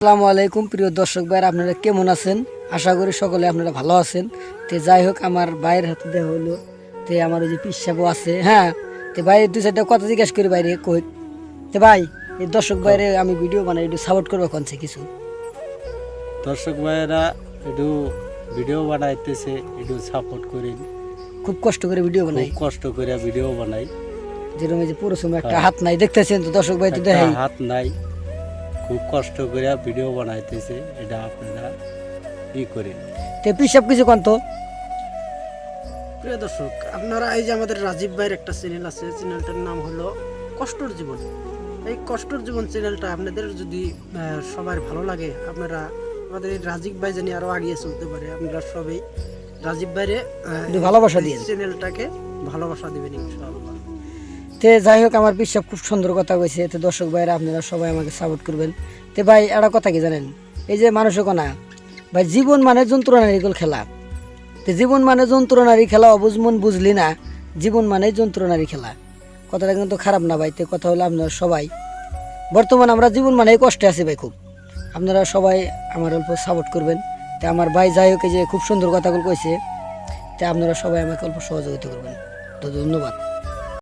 আসসালামু আলাইকুম প্রিয় দর্শক ভাইরা, আপনারা কেমন আছেন? আশা করি সকলে আপনারা ভালো আছেন। তো যাই হোক, আমার ভাইয়ের হাতে দেওয়া হইলো। তো আমার ওই যে পিসাবও আছে, হ্যাঁ। তো ভাই দুই চারটা কথা জিজ্ঞাসা করি বাইরে কই। তো ভাই, এই দর্শক বাইরে আমি ভিডিও বানাই, একটু সাপোর্ট করবো কোনছে কিছু। দর্শক ভাইয়েরা একটু ভিডিও বানাইতেছে, একটু সাপোর্ট করেন। খুব কষ্ট করে ভিডিও বানাই, খুব কষ্ট করে ভিডিও বানাই। যেরকম এই যে পুরো সময় একটা হাত নাই, দেখতেছেন তো দর্শক ভাই, তো একটা দেখাই হাত নাই, খুব কষ্ট করে ভিডিও বানাইতেছে। এটা আপনারা ই করেন। তো পিসাব কিছু কোন তো। প্রিয় দর্শক, আপনারা এই যে আমাদের রাজীব ভাইয়ের একটা চ্যানেল আছে, চ্যানেলটার নাম হলো কষ্টর জীবন। এই কষ্টর জীবন চ্যানেলটা আপনাদের যদি সবার ভালো লাগে, আপনারা আমাদের এই রাজীব ভাই জানি আরো আগিয়ে চলতে পারে, আপনারা সবাই রাজীব ভাইরে একটু ভালোবাসা দিন, চ্যানেলটাকে ভালোবাসা দিবেন ইনশাআল্লাহ। তে যাই হোক, আমার পিসাব খুব সুন্দর কথা কইছে। তো দর্শক ভাইরা আপনারা সবাই আমাকে সাপোর্ট করবেন। তো ভাই একটা কথা কি জানেন, এই যে মানুষের কোনা ভাই, জীবন মানে যন্ত্রণার এগুলো খেলা। তো জীবন মানে যন্ত্রণারই খেলা, অবুঝ মন বুঝলি না, জীবন মানে যন্ত্রণারই খেলা। কথাটা কিন্তু খারাপ না ভাই। তো কথা হলো, আপনারা সবাই বর্তমান আমরা জীবন মানে কষ্টে আছি ভাই খুব। আপনারা সবাই আমার অল্প সাপোর্ট করবেন। তো আমার ভাই যাই হোক, এই যে খুব সুন্দর কথাগুলো কইছে, তো আপনারা সবাই আমাকে অল্প সহযোগিতা করবেন। তো ধন্যবাদ।